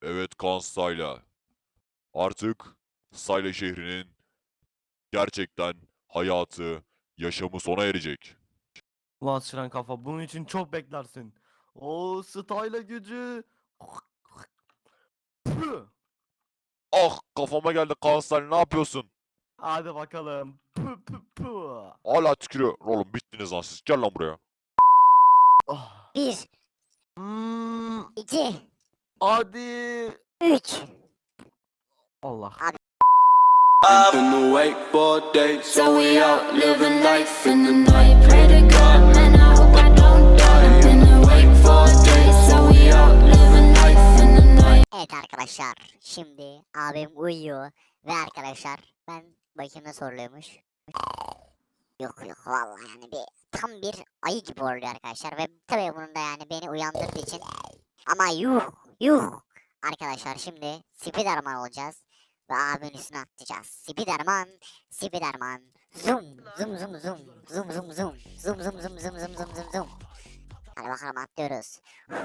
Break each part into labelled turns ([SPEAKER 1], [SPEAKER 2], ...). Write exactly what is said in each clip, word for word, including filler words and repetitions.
[SPEAKER 1] Evet Kaan Stayla. Artık Stayla şehrinin gerçekten hayatı, yaşamı sona erecek.
[SPEAKER 2] Ulan Siren kafa bunun için çok beklersin. O style gücü. Püh!
[SPEAKER 1] Ah kafama geldi Kaan Stayla, ne yapıyorsun?
[SPEAKER 2] Hadi bakalım. Püh, püh, püh.
[SPEAKER 1] Hala tükürüyor. Oğlum bittiniz lan siz. Gel lan buraya.
[SPEAKER 2] Ah.
[SPEAKER 3] Bir,
[SPEAKER 2] Hmm,
[SPEAKER 3] iki,
[SPEAKER 2] hadi.
[SPEAKER 3] üç.
[SPEAKER 2] Allah.
[SPEAKER 3] Abi
[SPEAKER 4] In the wakeboard days,
[SPEAKER 5] So we out living life in the night. Pray to God, man, I hope I don't die. I've been awake for days. So we out living life in the night.
[SPEAKER 3] evet arkadaşlar. Şimdi abim uyuyor. Ve arkadaşlar ben bakayım nasıl horluyormuş. Yok yok vallahi yani bir tam bir ayı gibi horluyor arkadaşlar. Ve tabii bunun da yani beni uyandırdığı için. Ama yuh yuh. Arkadaşlar şimdi Spiderman olacağız. Ve abimin üstüne atlayacağız. Spiderman, Spiderman. Zoom, zoom, zoom, zoom. Zoom, zoom, zoom. Zoom, zoom, zoom, zoom, zoom, zoom, zoom, zoom. Hadi bakalım atlıyoruz.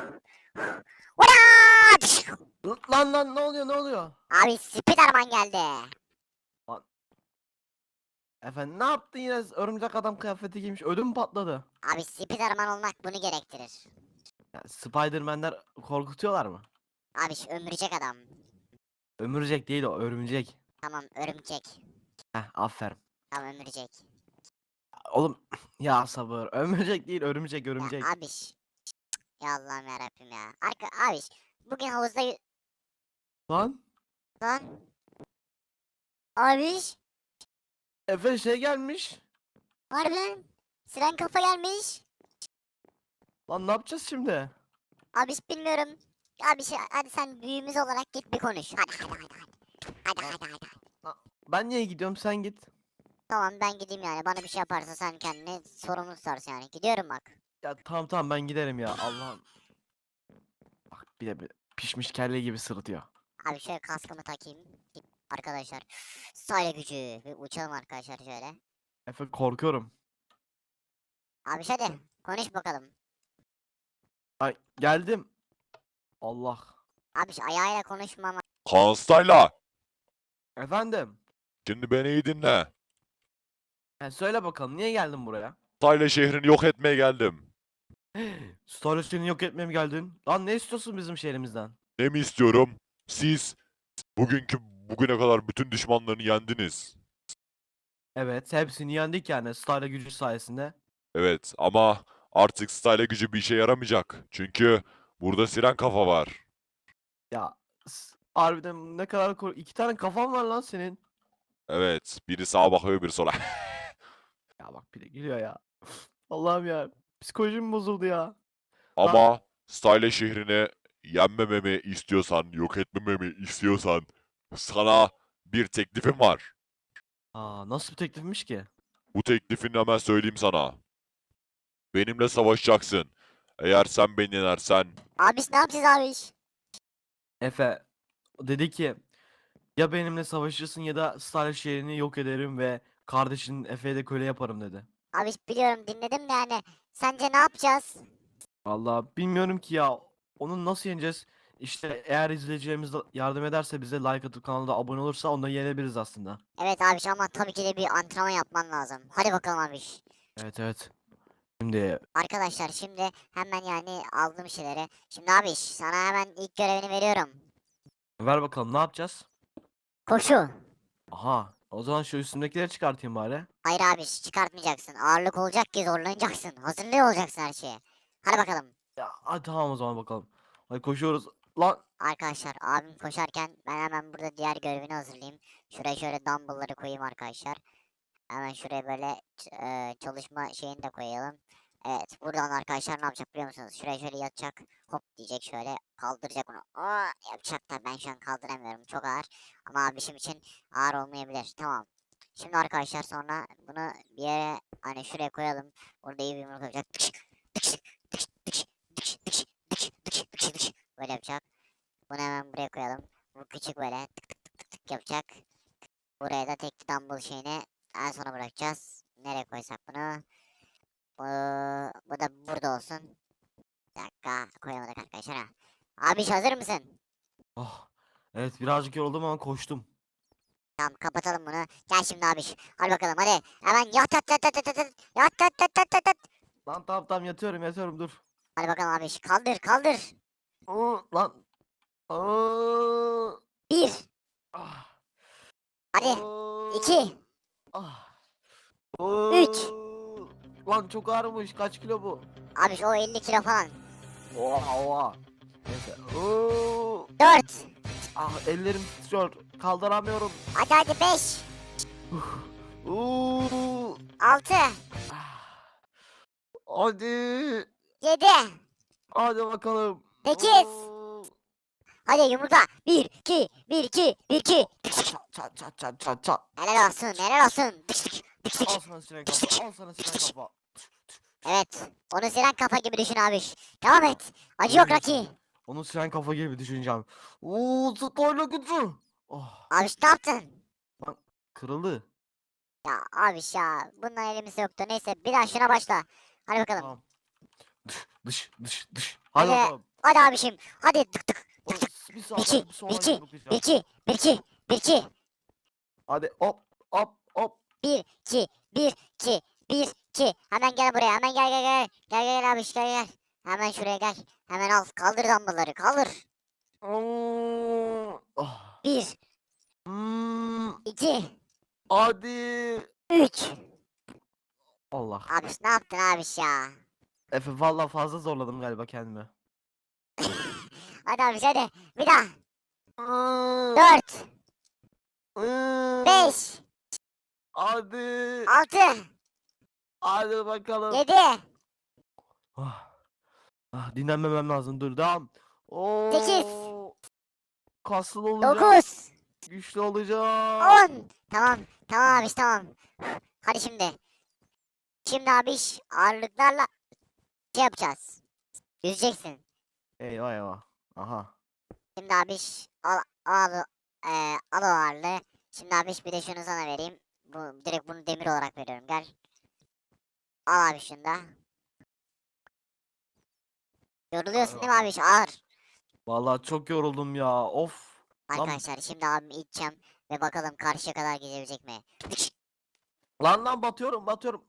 [SPEAKER 3] Ulan!
[SPEAKER 2] Lan lan ne oluyor ne oluyor?
[SPEAKER 3] Abi Spiderman geldi.
[SPEAKER 2] Efendim ne yaptın yine örümcek adam kıyafeti giymiş ödüm patladı.
[SPEAKER 3] Abi Spiderman olmak bunu gerektirir.
[SPEAKER 2] Ya, Spiderman'ler korkutuyorlar mı?
[SPEAKER 3] Abi şu ömürecek adam.
[SPEAKER 2] Ömürcek değil o örümcek.
[SPEAKER 3] Tamam örümcek.
[SPEAKER 2] Heh aferin.
[SPEAKER 3] Tamam ömürecek.
[SPEAKER 2] Oğlum ya sabır ömürcek değil örümcek örümcek.
[SPEAKER 3] Ya abiş. Ya Allah'ım yarabbim ya. Arka abiş. Bugün havuzda y-
[SPEAKER 2] Lan
[SPEAKER 3] lan. Abiş.
[SPEAKER 2] Efe şey gelmiş.
[SPEAKER 3] Harbi lan. Siren kafa gelmiş.
[SPEAKER 2] Lan ne yapacağız şimdi?
[SPEAKER 3] Abiş bilmiyorum. Abiş hadi sen büyüğümüz olarak git bir konuş. Hadi hadi hadi hadi. Hadi hadi hadi.
[SPEAKER 2] Ben niye gidiyorum sen git.
[SPEAKER 3] Tamam ben gideyim yani. Bana bir şey yaparsa sen kendini sorumlu tutarsın yani. Gidiyorum bak.
[SPEAKER 2] Ya tamam tamam ben giderim ya Allah'ım. Bak bir de bir pişmiş kelle gibi sırıtıyor.
[SPEAKER 3] Abi şöyle kaskımı takayım. Git arkadaşlar. Style gücü. Bir uçalım arkadaşlar şöyle.
[SPEAKER 2] Efe korkuyorum.
[SPEAKER 3] Abi hadi konuş bakalım.
[SPEAKER 2] Ay geldim. Allah.
[SPEAKER 3] Abi şu ayağıyla konuşmama.
[SPEAKER 1] Kaan Stayla.
[SPEAKER 2] Efendim.
[SPEAKER 1] Şimdi beni iyi dinle.
[SPEAKER 2] He, söyle bakalım niye geldin buraya?
[SPEAKER 1] Stayla şehrini yok etmeye geldim.
[SPEAKER 2] Star seni yok etmeye mi geldin? Lan ne istiyorsun bizim şehrimizden?
[SPEAKER 1] Ne mi istiyorum? Siz bugünkü bugüne kadar bütün düşmanlarını yendiniz.
[SPEAKER 2] Evet hepsini yendik yani Star gücü sayesinde.
[SPEAKER 1] Evet ama artık Stayla gücü bir işe yaramayacak. Çünkü burada Siren kafa var.
[SPEAKER 2] Ya s- harbiden ne kadar kork... iki tane kafan var lan senin.
[SPEAKER 1] Evet, biri sağa bakıyor, biri sola.
[SPEAKER 2] Ya bak bir de gülüyor ya. Allah'ım ya. Psikolojim bozuldu ya.
[SPEAKER 1] Ama Style şehrini yenmememi istiyorsan, yok etmememi istiyorsan sana bir teklifim var.
[SPEAKER 2] Aa nasıl bir teklifmiş ki?
[SPEAKER 1] Bu teklifini hemen söyleyeyim sana. Benimle savaşacaksın. Eğer sen beni yenersen
[SPEAKER 3] Abiş ne yapacağız abiş?
[SPEAKER 2] Efe dedi ki ya benimle savaşırsın ya da Star şehrini yok ederim ve kardeşinin Efe'ye de köle yaparım dedi.
[SPEAKER 3] Abiş biliyorum dinledim de yani. Sence ne yapacağız?
[SPEAKER 2] Vallahi bilmiyorum ki ya. Onu nasıl yeneceğiz? İşte eğer izleyicilerimiz de yardım ederse bize like atıp kanalda abone olursa onu da yenebiliriz aslında.
[SPEAKER 3] Evet abiş ama tabii ki de bir antrenman yapman lazım. Hadi bakalım abiş.
[SPEAKER 2] Evet evet. Şimdi
[SPEAKER 3] Arkadaşlar şimdi hemen yani aldığım şeyleri. Şimdi abiş sana hemen ilk görevini veriyorum.
[SPEAKER 2] ver bakalım ne yapacağız?
[SPEAKER 3] Koşu.
[SPEAKER 2] Aha o zaman şu üstümdekileri çıkartayım bari.
[SPEAKER 3] Hayır abiş çıkartmayacaksın. Ağırlık olacak ki zorlanacaksın. Hazırlıyor olacaksın her şeye. Hadi bakalım.
[SPEAKER 2] Ya hadi tamam o zaman bakalım. Hadi koşuyoruz. Lan
[SPEAKER 3] Arkadaşlar abim koşarken ben hemen burada diğer görevini hazırlayayım. Şuraya şöyle dumbbellları koyayım arkadaşlar. Hemen şuraya böyle ç- e, çalışma şeyini de koyalım. Evet buradan arkadaşlar ne yapacak biliyor musunuz? Şuraya şöyle yatacak. Hop diyecek şöyle kaldıracak onu. Aa, yapacak da ben şu an kaldıramıyorum. Çok ağır. Ama abişim için ağır olmayabilir. Tamam. Şimdi arkadaşlar sonra bunu bir yere hani şuraya koyalım. Orada iyi bir yumruk yapacak. Böyle yapacak. Bunu hemen buraya koyalım. Bu küçük böyle tık tık tık tık tık yapacak. Buraya da tek dumbbell şeyini en sona bırakacağız. Nereye koysak bunu? Bu, bu da burada olsun. Bir dakika koyamadık arkadaşlar ha. Abi hazır mısın?
[SPEAKER 2] Ah. Evet birazcık yoruldum ama koştum.
[SPEAKER 3] Tamam kapatalım bunu. Gel şimdi abiş. Hadi bakalım hadi. Hemen yat yat yat yat yat yat. Yat yat yat yat yat yat.
[SPEAKER 2] Lan tamam tamam yatıyorum yatıyorum dur.
[SPEAKER 3] Hadi bakalım abiş. Kaldır kaldır.
[SPEAKER 2] Aa, lan. Aa,
[SPEAKER 3] Bir.
[SPEAKER 2] ah,
[SPEAKER 3] Hadi.
[SPEAKER 2] aa,
[SPEAKER 3] İki.
[SPEAKER 2] ah,
[SPEAKER 3] Üç.
[SPEAKER 2] aa. Lan çok ağırmış. Kaç kilo bu?
[SPEAKER 3] Abiş o elli kilo falan.
[SPEAKER 2] Oha oha. Neyse. Oo,
[SPEAKER 3] Dört.
[SPEAKER 2] ah ellerim titriyor. Kaldıramıyorum.
[SPEAKER 3] Hadi hadi beş.
[SPEAKER 2] Oo,
[SPEAKER 3] Altı.
[SPEAKER 2] ah. Hadi.
[SPEAKER 3] Yedi.
[SPEAKER 2] Hadi bakalım.
[SPEAKER 3] Sekiz.
[SPEAKER 2] Oo.
[SPEAKER 3] Hadi yumurta. Bir, iki, bir, iki, bir, iki.
[SPEAKER 2] Çat çat çat çat çat çat.
[SPEAKER 3] Helal olsun, helal olsun. Tık tık, tık tık.
[SPEAKER 2] Al sana siren kafa. Al sana siren kafa.
[SPEAKER 3] Evet. Onu siren kafa gibi düşün abiş. Devam et. Acı yok Rocky.
[SPEAKER 2] Onu siren kafa gibi düşüneceğim. Oo, spoiler gücü. Oh,
[SPEAKER 3] Abiş ne yaptın?
[SPEAKER 2] kırıldı.
[SPEAKER 3] Ya abiş ya. Bundan elimizde yoktu. Neyse bir daha şuna başla. Hadi bakalım.
[SPEAKER 2] Tamam. Dış dış dış dış. Hadi
[SPEAKER 3] Hadi.
[SPEAKER 2] bakalım.
[SPEAKER 3] Hadi abişim. Hadi tık tık.
[SPEAKER 2] Oh, bir
[SPEAKER 3] Bir
[SPEAKER 2] sağdan
[SPEAKER 3] iki,
[SPEAKER 2] bir
[SPEAKER 3] bir
[SPEAKER 2] soldan
[SPEAKER 3] iki,
[SPEAKER 2] yumruklayacağım.
[SPEAKER 3] bir iki, bir iki, bir iki.
[SPEAKER 2] Hadi hop hop hop.
[SPEAKER 3] Bir, iki, bir, iki, bir, iki. Hemen gel buraya. Hemen gel gel gel. Gel gel gel abiş gel gel. Hemen şuraya gel. Hemen al. Kaldır dumbbellları. Kaldır.
[SPEAKER 2] Oo, ah.
[SPEAKER 3] Bir,
[SPEAKER 2] Hmm,
[SPEAKER 3] iki,
[SPEAKER 2] hadi.
[SPEAKER 3] üç.
[SPEAKER 2] Allah.
[SPEAKER 3] Abiş ne yaptın abiş ya?
[SPEAKER 2] Efe valla fazla zorladım galiba kendimi.
[SPEAKER 3] Hadi abiş hadi. Bir daha.
[SPEAKER 2] Hmm,
[SPEAKER 3] Dört,
[SPEAKER 2] hmm,
[SPEAKER 3] beş,
[SPEAKER 2] Hadi.
[SPEAKER 3] altı,
[SPEAKER 2] Hadi bakalım.
[SPEAKER 3] yedi,
[SPEAKER 2] Ah, ah, dinlenmemem lazım. Dur devam. Oo,
[SPEAKER 3] Sekiz.
[SPEAKER 2] kaslı olacağım.
[SPEAKER 3] dokuz,
[SPEAKER 2] Güçlü olacağım.
[SPEAKER 3] on. Tamam. Tamam abiş tamam. Hadi şimdi. Şimdi abiş ağırlıklarla şey yapacağız. Yüzeceksin.
[SPEAKER 2] Eyvah eyvah. Aha.
[SPEAKER 3] Şimdi abiş al al eee al o ağırlığı. Şimdi abiş bir de şunu sana vereyim. Bu direkt bunu demir olarak veriyorum. Gel. Al abi şunu da. Yoruluyorsun değil mi abiş? Ağır.
[SPEAKER 2] Vallahi çok yoruldum ya. Of. Lan,
[SPEAKER 3] Arkadaşlar şimdi abimi iteceğim ve bakalım karşıya kadar gidebilecek mi?
[SPEAKER 2] lan lan batıyorum batıyorum.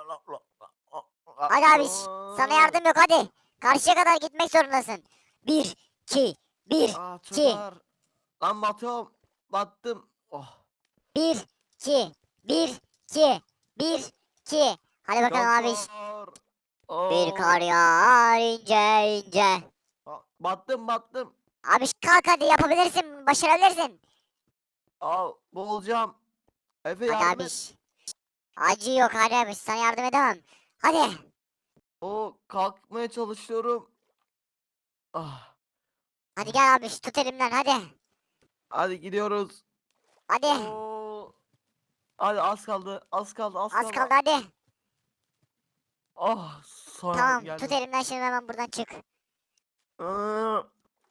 [SPEAKER 3] Hadi abiş. Sana yardım yok hadi. Karşıya kadar gitmek zorundasın. Bir, iki, bir,
[SPEAKER 2] Aa, çok
[SPEAKER 3] iki.
[SPEAKER 2] ağır. Lan batıyorum. Battım. Oh.
[SPEAKER 3] bir, iki, bir, iki, bir, iki. Hadi bakalım
[SPEAKER 2] çok
[SPEAKER 3] abiş.
[SPEAKER 2] ağır.
[SPEAKER 3] Bir
[SPEAKER 2] Oo.
[SPEAKER 3] kar yağar ince ince.
[SPEAKER 2] Aa, Battım battım.
[SPEAKER 3] Abiş kalk hadi yapabilirsin. Başarabilirsin.
[SPEAKER 2] Aa, boğulacağım. Efe
[SPEAKER 3] Hadi
[SPEAKER 2] yardım et.
[SPEAKER 3] abiş. Acı yok hadi abiş. Sana yardım edemem. Hadi.
[SPEAKER 2] Oo, kalkmaya çalışıyorum. Ah.
[SPEAKER 3] Hadi gel abiş. Tut elimden hadi.
[SPEAKER 2] Hadi gidiyoruz.
[SPEAKER 3] Hadi.
[SPEAKER 2] Oo. Hadi az kaldı. Az kaldı. Az,
[SPEAKER 3] Az kaldı hadi.
[SPEAKER 2] Ah, sonra
[SPEAKER 3] Tamam
[SPEAKER 2] geldim.
[SPEAKER 3] tut elimden şimdi hemen buradan çık.
[SPEAKER 2] Aa.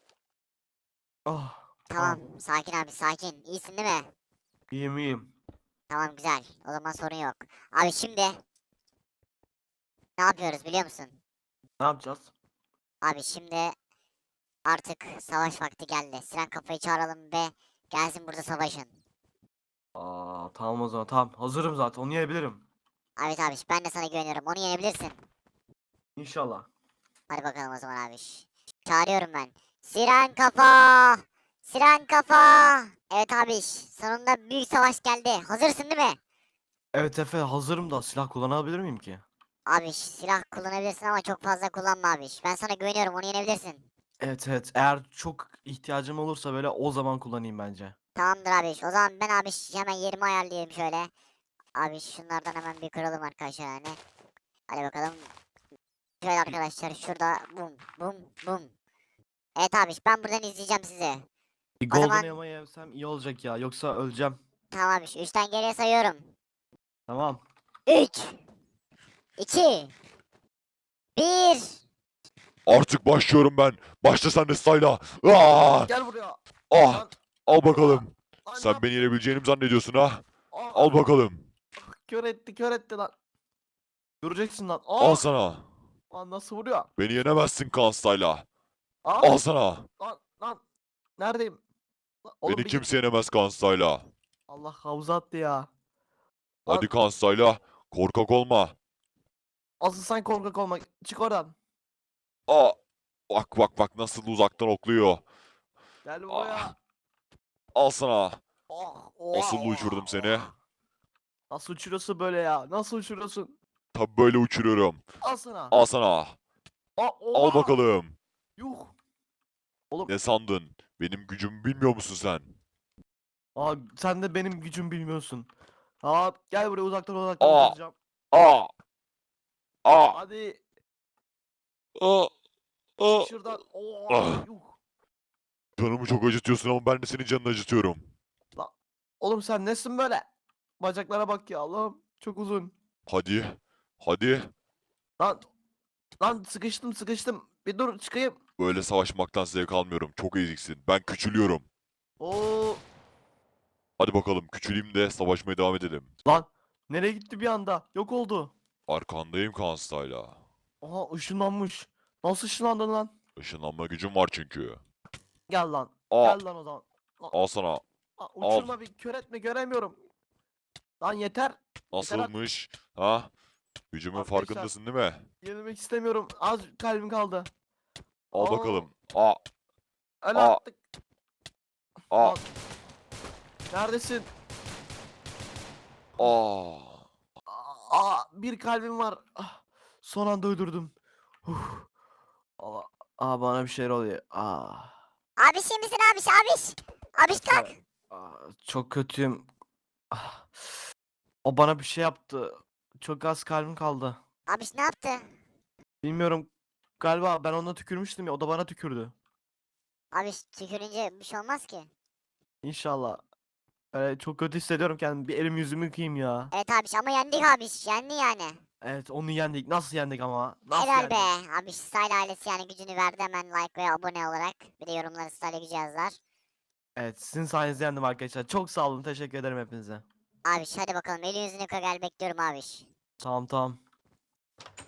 [SPEAKER 2] Ah,
[SPEAKER 3] Tamam sakin abi sakin. İyisin değil mi?
[SPEAKER 2] iyiyim iyiyim.
[SPEAKER 3] Tamam güzel. O zaman sorun yok. Abi şimdi ne yapıyoruz biliyor musun?
[SPEAKER 2] Ne yapacağız?
[SPEAKER 3] Abi şimdi artık savaş vakti geldi. Siren kafayı çağıralım ve gelsin burada savaşın.
[SPEAKER 2] Aa, tamam o zaman tamam. Hazırım zaten. Onu yenebilirim.
[SPEAKER 3] Evet abi ben de sana güveniyorum. Onu yenebilirsin.
[SPEAKER 2] İnşallah.
[SPEAKER 3] Hadi bakalım o zaman abi. Çağırıyorum ben. Siren kafa! Siren kafa! Evet abi sonunda büyük savaş geldi. Hazırsın değil mi?
[SPEAKER 2] Evet Efe hazırım da silah kullanabilir miyim ki?
[SPEAKER 3] Abi silah kullanabilirsin ama çok fazla kullanma abi. Ben sana güveniyorum onu yenebilirsin.
[SPEAKER 2] Evet evet. Eğer çok ihtiyacım olursa böyle o zaman kullanayım bence.
[SPEAKER 3] Tamamdır abi. O zaman ben abi hemen yerimi ayarlayayım şöyle. Abi şunlardan hemen bir kıralım arkadaşlar yani. Hadi bakalım. Şöyle arkadaşlar şurada bum bum bum. Evet abi ben buradan izleyeceğim sizi.
[SPEAKER 2] Bir
[SPEAKER 3] O
[SPEAKER 2] golden
[SPEAKER 3] zaman-
[SPEAKER 2] elma yemsem iyi olacak ya. Yoksa öleceğim.
[SPEAKER 3] Tamam abi üçten geriye sayıyorum.
[SPEAKER 2] Tamam.
[SPEAKER 3] üç iki bir.
[SPEAKER 1] Artık başlıyorum ben. Başla sen de Sayla. Aa!
[SPEAKER 2] Gel buraya.
[SPEAKER 1] Ah!
[SPEAKER 2] Lan,
[SPEAKER 1] Al bakalım.
[SPEAKER 2] lan,
[SPEAKER 1] Sen
[SPEAKER 2] lan.
[SPEAKER 1] beni yenebileceğini mi zannediyorsun ha?
[SPEAKER 2] Aa,
[SPEAKER 1] Al bakalım.
[SPEAKER 2] Kör etti kör etti lan. Göreceksin lan.
[SPEAKER 1] Al
[SPEAKER 2] Aa,
[SPEAKER 1] sana.
[SPEAKER 2] lan nasıl vuruyor?
[SPEAKER 1] Beni yenemezsin Kaan Sayla.
[SPEAKER 2] Aa,
[SPEAKER 1] Al sana.
[SPEAKER 2] lan lan. Neredeyim? Lan oğlum
[SPEAKER 1] Beni
[SPEAKER 2] bir git.
[SPEAKER 1] kimse yenemez Kansayla.
[SPEAKER 2] Allah havuza attı ya.
[SPEAKER 1] Hadi
[SPEAKER 2] Lan
[SPEAKER 1] Kansayla. Korkak olma.
[SPEAKER 2] asıl sen korkak olma. Çık oradan.
[SPEAKER 1] Aa. Bak bak bak nasıl uzaktan okluyor.
[SPEAKER 2] Gel
[SPEAKER 1] Ah,
[SPEAKER 2] buraya.
[SPEAKER 1] al sana.
[SPEAKER 2] Oh,
[SPEAKER 1] Nasıl
[SPEAKER 2] oha,
[SPEAKER 1] uçurdum
[SPEAKER 2] oha,
[SPEAKER 1] seni?
[SPEAKER 2] oha. Nasıl uçuruyorsun böyle ya? Nasıl uçuruyorsun?
[SPEAKER 1] Tabi böyle uçuruyorum.
[SPEAKER 2] Al sana.
[SPEAKER 1] Al sana.
[SPEAKER 2] Aa,
[SPEAKER 1] Al
[SPEAKER 2] oha.
[SPEAKER 1] bakalım.
[SPEAKER 2] Yuh. Oğlum.
[SPEAKER 1] Ne sandın? Benim gücümü bilmiyor musun sen?
[SPEAKER 2] Aa, sen de benim gücümü bilmiyorsun. Aa, gel buraya uzaktan uzaktan
[SPEAKER 1] Aa.
[SPEAKER 2] vuracağım.
[SPEAKER 1] Aa. Aa.
[SPEAKER 2] Hadi.
[SPEAKER 1] Aa. Aa.
[SPEAKER 2] Çık şuradan. Oo,
[SPEAKER 1] Ah.
[SPEAKER 2] yuh.
[SPEAKER 1] Canımı çok acıtıyorsun ama ben de senin canını acıtıyorum.
[SPEAKER 2] Oğlum sen nesin böyle? Bacaklara bak ya Allah'ım. Çok uzun.
[SPEAKER 1] Hadi. Hadi.
[SPEAKER 2] Lan. Lan sıkıştım sıkıştım. Bir dur çıkayım.
[SPEAKER 1] Böyle savaşmaktan zevk almıyorum. Çok eziksin. Ben küçülüyorum.
[SPEAKER 2] Oo.
[SPEAKER 1] Hadi bakalım küçüleyim de savaşmaya devam edelim.
[SPEAKER 2] Lan. Nereye gitti bir anda? Yok oldu.
[SPEAKER 1] Arkandayım Kansayla.
[SPEAKER 2] Aha ışınlanmış. Nasıl ışınlandın lan?
[SPEAKER 1] Işınlanma gücüm var çünkü.
[SPEAKER 2] Gel lan.
[SPEAKER 1] Aa.
[SPEAKER 2] Gel lan o zaman.
[SPEAKER 1] Al sana.
[SPEAKER 2] Aa, uçurma bir kör etme göremiyorum. Lan yeter.
[SPEAKER 1] Nasılmış? Ha? Gücümün
[SPEAKER 2] Arkadaşlar-
[SPEAKER 1] farkındasın değil mi?
[SPEAKER 2] Yenilmek istemiyorum. Az kalbim kaldı.
[SPEAKER 1] Al
[SPEAKER 2] Aa.
[SPEAKER 1] bakalım. Aa.
[SPEAKER 2] Öyle
[SPEAKER 1] Aa.
[SPEAKER 2] attık.
[SPEAKER 1] Aa.
[SPEAKER 2] Lan. Neredesin?
[SPEAKER 1] Aa.
[SPEAKER 2] Aa, bir kalbim var. Ah, son anda öldürdüm. Huh. Allah. Aa, bana bir şeyler oluyor. Aa.
[SPEAKER 3] Abiş iyi misin abiş abiş? Abiş kalk.
[SPEAKER 2] Aa, çok kötüyüm. Ah. O bana bir şey yaptı. Çok az kalbim kaldı.
[SPEAKER 3] Abiş ne yaptı?
[SPEAKER 2] Bilmiyorum. Galiba ben ona tükürmüştüm ya. O da bana tükürdü.
[SPEAKER 3] Abiş tükürünce bir şey olmaz ki.
[SPEAKER 2] İnşallah. Öyle çok kötü hissediyorum kendimi. Bir elim yüzümü yıkayayım ya.
[SPEAKER 3] Evet abiş ama yendik abiş. Yendi yani.
[SPEAKER 2] Evet onu yendik. Nasıl yendik ama? Nasıl
[SPEAKER 3] Helal
[SPEAKER 2] yendik?
[SPEAKER 3] be. Abiş Style ailesi yani gücünü verdi hemen like ve abone olarak. Bir de yorumlara Style gücü yazlar.
[SPEAKER 2] Evet sizin sayenizde yendim arkadaşlar. Çok sağ olun. Teşekkür ederim hepinize.
[SPEAKER 3] Abiş hadi bakalım elin yüzünü yıka gel bekliyorum abiş.
[SPEAKER 2] Tamam tamam.